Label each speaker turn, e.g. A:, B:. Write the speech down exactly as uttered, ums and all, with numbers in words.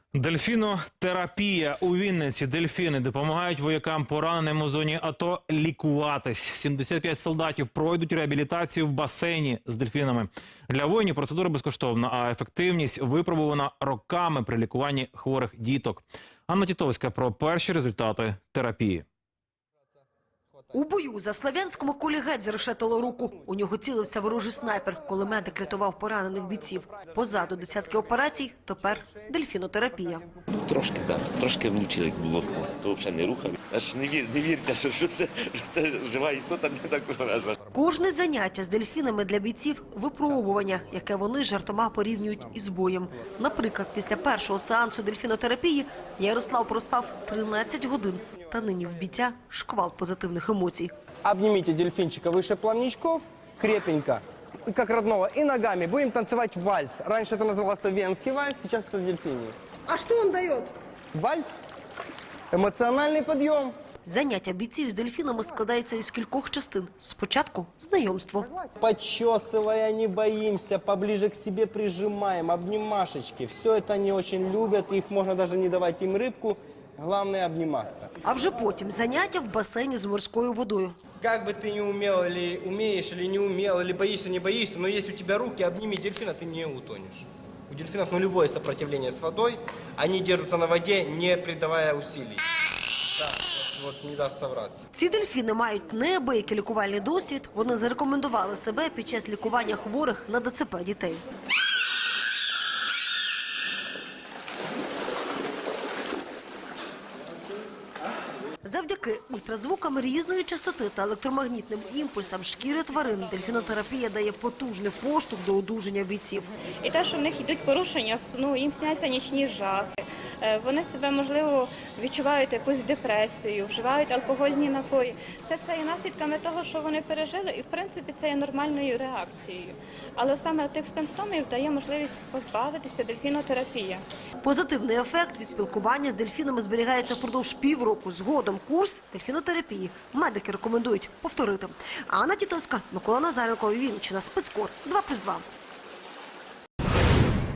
A: Дельфінотерапія у Вінниці. Дельфіни допомагають воякам, пораненим у зоні АТО, лікуватись. сімдесят п'ять солдатів пройдуть реабілітацію в басейні з дельфінами. Для воїнів процедура безкоштовна, а ефективність випробувана роками при лікуванні хворих діток. Анна Тітовська про перші результати терапії.
B: У бою за Слов'янському кулі геть зарешетило руку. У нього цілився ворожий снайпер, коли медик рятував поранених бійців. Позаду десятки операцій, тепер дельфінотерапія.
C: Трошки, так. Трошки влучили, як було. То взагалі не рухав. Аж не, вір, не віриться, що, що, це, що це жива істота, не так вражена.
B: Кожне заняття з дельфінами для бійців – випробування, яке вони жартома порівнюють із боєм. Наприклад, після першого сеансу дельфінотерапії Ярослав проспав тринадцять годин. Та нині в бійця шквал позитивних емоцій.
D: Обнимите дельфинчика выше плавничков, крепенько, как родного, и ногами. Будем танцевать вальс. Раньше это назывался венский вальс, сейчас это дельфиний.
B: А що він дає?
D: Вальс – эмоциональный подъем.
B: Заняття бійців з дельфінами складається із кількох частин. Спочатку – знайомство.
D: Подчесывая, не боимся, поближе к себе прижимаем, обнимашечки. Все это они очень любят, их можно даже не давать им рыбку. Главное обниматься.
B: А вже потім заняття в басейні з морською водою.
D: Как бы ты не умел, или умеешь, или не умел, или боишься, не боишься, но если у тебя руки, обними дельфина, ты не утонешь. У дельфинов нулевое сопротивление с водой, они держатся на воде, не придавая усилий. Да, вот, вот не даст соврать.
B: Ці дельфіни мають неабиякий лікувальний досвід. Вони зарекомендували себе під час лікування хворих на ДЦП дітей. Завдяки ультразвукам різної частоти та електромагнітним імпульсам шкіри тварин дельфінотерапія дає потужний поштовх до одужання бійців.
E: І те, що в них йдуть порушення сну, їм сняться нічні жахи, вони себе, можливо, відчувають якусь депресію, вживають алкогольні напої. Це все є наслідками того, що вони пережили, і, в принципі, це є нормальною реакцією. Але саме тих симптомів дає можливість позбавитися дельфінотерапія.
B: Позитивний ефект від спілкування з дельфінами зберігається впродовж півроку. Згодом курс дельфінотерапії медики рекомендують повторити. Анна Тітовська, Микола Назаренко, Вінниччина, Спецкор, два плюс два.